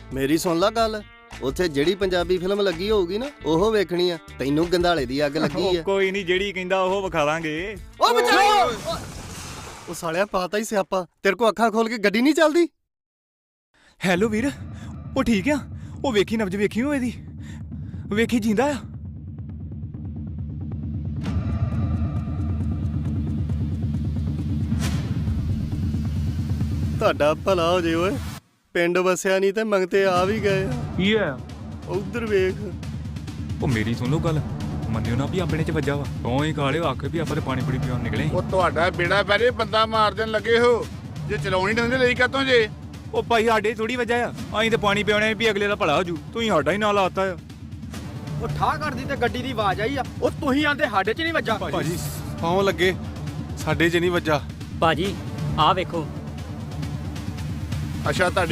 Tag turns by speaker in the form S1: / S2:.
S1: ਮੇਰੀ ਸੁਣ ਲਾ ਗੱਲ, ਉੱਥੇ ਜਿਹੜੀ ਪੰਜਾਬੀ ਫਿਲਮ ਲੱਗੀ ਹੋਊਗੀ ਨਾ ਉਹ ਵੇਖਣੀ ਆ। ਤੈਨੂੰ ਗੰਧਾਲੇ ਦੀ ਅੱਗ ਲੱਗੀ ਆ।
S2: ਕੋਈ ਨਹੀਂ, ਜਿਹੜੀ ਕਹਿੰਦਾ ਉਹ ਵਿਖਾ ਦਾਂਗੇ।
S1: ਓ ਬਚਾਓ! ਉਹ ਸਾਲਿਆ ਪਾਤਾ ਹੀ ਸਿਆਪਾ। ਤੇਰੇ ਕੋ ਅੱਖਾਂ ਖੋਲ ਕੇ ਗੱਡੀ ਨਹੀਂ ਚੱਲਦੀ?
S2: ਹੈਲੋ ਵੀਰ, ਉਹ ਠੀਕ ਆ? ਉਹ ਵੇਖੀ ਨਬਜ ਵੇਖੀ ਹੋ ਇਹਦੀ, ਵੇਖੀ ਜਿੰਦਾ ਆ।
S1: ਤੁਹਾਡਾ ਭਲਾ ਹੋ ਜੇ ਓਏ। ਪਿੰਡ ਵਸਿਆ ਨਹੀਂ ਤੇ ਮੰਗਤੇ ਆ ਵੀ ਗਏ ਆ।
S2: ਕੀ ਆ?
S1: ਉਧਰ ਵੇਖ।
S2: ਉਹ ਮੇਰੀ ਸੁਣ ਲਓ ਗੱਲ, ਮੰਨਿਓ ਨਾ ਵੀ ਆਪਣੇ ਚ ਵੱਜਾ ਵਾ। ਤੂੰ ਹੀ ਕਾਲੇ ਆਖੇ ਵੀ ਆਪਾਂ ਤੇ ਪਾਣੀ ਪੂਰੀ ਪੀਉਣ ਨਿਕਲੇ।
S3: ਉਹ ਤੁਹਾਡਾ ਬੇੜਾ ਬੈਰੇ ਬੰਦਾ ਮਾਰ ਦੇਣ ਲੱਗੇ ਹੋ, ਜੇ ਚਲਾਉਣੀ ਡੰਦੇ ਲਈ ਕਾਤੋਂ ਜੇ?
S2: ਉਹ ਭਾਈ ਸਾਡੇ ਥੋੜੀ ਵੱਜਾ ਆ, ਅਸੀਂ ਤੇ ਪਾਣੀ ਪਿਉਣੇ ਵੀ ਅਗਲੇ ਦਾ ਭਲਾ ਹੋ ਜੂ। ਤੂੰ ਸਾਡਾ ਹੀ ਨਾਂ ਲਾਤਾ ਆ।
S4: ਉਹ ਠਾਹ ਕਰਦੀ ਤੇ ਗੱਡੀ ਦੀ ਆਵਾਜ਼ ਆਈ ਆ। ਉਹ ਤੁਸੀਂ ਆਂਦੇ ਸਾਡੇ 'ਚ ਨਹੀਂ ਵੱਜਾ।
S5: ਭਾਜੀ ਪਾਉ ਲੱਗੇ, ਸਾਡੇ 'ਚ ਨਹੀਂ ਵੱਜਾ।
S6: ਭਾਜੀ ਆਹ ਵੇਖੋ।
S3: ਅੱਛਾ ਤੁਹਾਡੀ